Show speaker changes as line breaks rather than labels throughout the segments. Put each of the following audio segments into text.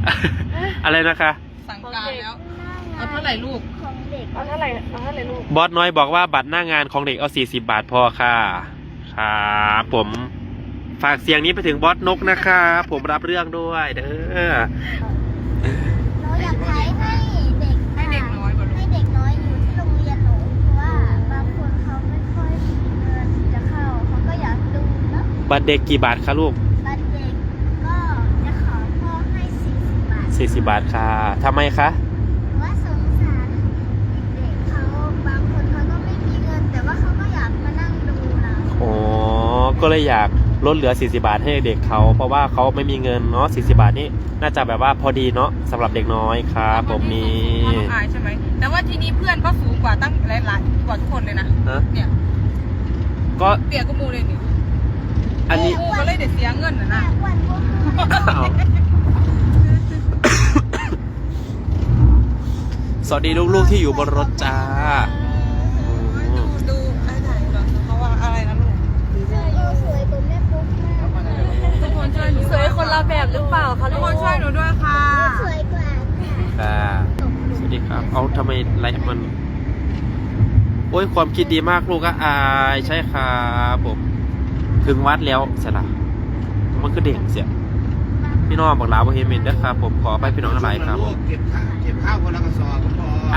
อะไรนะคะ
สั่งการแล้วเอาเท่าไหร่ลูก
ของเด็ก
เอาเท่าไหร่ลูก
บอสน้อยบอกว่าบัตรหน้างานของเด็กเอา40 บาทพอค่ะครับผมฝากเสียงนี้ไปถึงบอสนกนะคะผมรับเรื่องด้วยเด้อ
เราอยากใช้ให้เด็ก
ให้เด็กน้อยกว่าลูก
ให้เด็กน้อยอยู่ที่โรงเรียนหนูเพราะว่าบางคนเขาไม่ค่อยมีเงินจะเข้าเขาก็อยากดูเนาะ
บัตรเด็กกี่บาทคะลูก
บัตรเด็กก็จะขอพ่อให้40 บาท
40 บาทค่ะทำไมคะ
ว่าสงสารเด็กๆเขาบางคนเขาก็ไม่มีเงินแต่ว่าเขาก็อยากมานั่งดูเรา
อ๋อก็เลยอยากลดเหลือ40 บาทให้เด็กเขาเพราะว่าเขาไม่มีเงินเนาะ40 บาทนี่น่าจะแบบว่าพอดีเนาะสำหรับเด็กน้อยครับผมนี่
อายใช่ไหมแต่ว่าทีนี้เพื่อนก็สูงกว่าตั้งหลายกว่าทุกคนเลยนะเนี่ย
ก็
เปียกก็มูเลยนี่
อันนี้
มูก็เลยเด็ดเสียเงินนะ
สวัสดีลูกๆที่อยู่บนรถจ้า
ดูไอ้ไหนก่อนเขาว่าอะไรนะลูก
สวยตัวแม่ปุ๊กมาก
ทุกคนช่วยหนู
สวยคนละแบบหรือเปล่าคะ
ทุกคนช่วยหนูด้วยค่ะ
สวยกว่า
ค่ะสวัสดีครับเอาทำไมไลฟ์มันโอ้ยความคิดดีมากลูกก็อายใช่ครับผมถึงวัดแล้วเสร็จละมันคือเด็กเสียพี่น้องบอกลาบเฮมินนะครับผมขอไปพี่น้องทั้งหลายครับ
เก็บข้าวคนละกระสอบก็พอ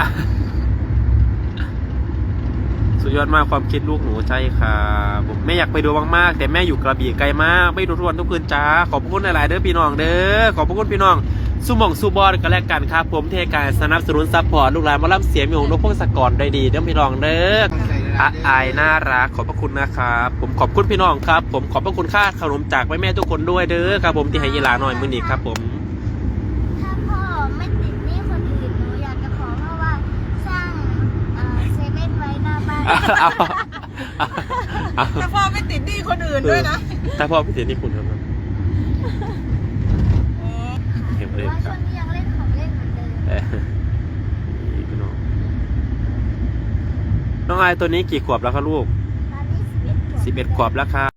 สุดยอดมากความคิดลูกหนูใช่ครับผมแม่อยากไปดูมากๆแต่แม่อยู่กระบี่ไกลมากไม่ดูทุกวันทุกคืนจ้าขอบคุณหลายๆเด้อพี่น้องเด้อขอบคุณพี่น้องสุหม่องสุบอลกันแล้วกันครับผมเทการสนับสนุนซัพพอร์ตลูกหลานมาล่ำเสียงอยู่นกพงศกรได้ดีเด้อพี่น้องเด้ออายน่ารักขอบพระคุณนะครับผมขอบคุณพี่น้องครับผมขอบพระคุณค่าขนมจากแม่ทุกคนด้วยเด้อครับผมที่ให้ยีลาหน่อยมื้อนี้ครับผม
ถ้าพ่อไม่ติดหนี้คนอื่นหนูอยากจะขอพ่อว่าสร้างเซเว่นไว้หน้าบ้าน
แต่พ่อไม่ติดหนี้คนอื่นด้วยนะ
ถ้าพ่อไม่ติดหนี้คุณครับ
เห็นเลยว่าช่วงนี้ยังเล่นของเล่นเหมือนเดิม
พี่น้องอายตัวนี้กี่ขวบแล้วครับลูก
ตอนนี้11 ขวบ
11 ขวบแล้วครับ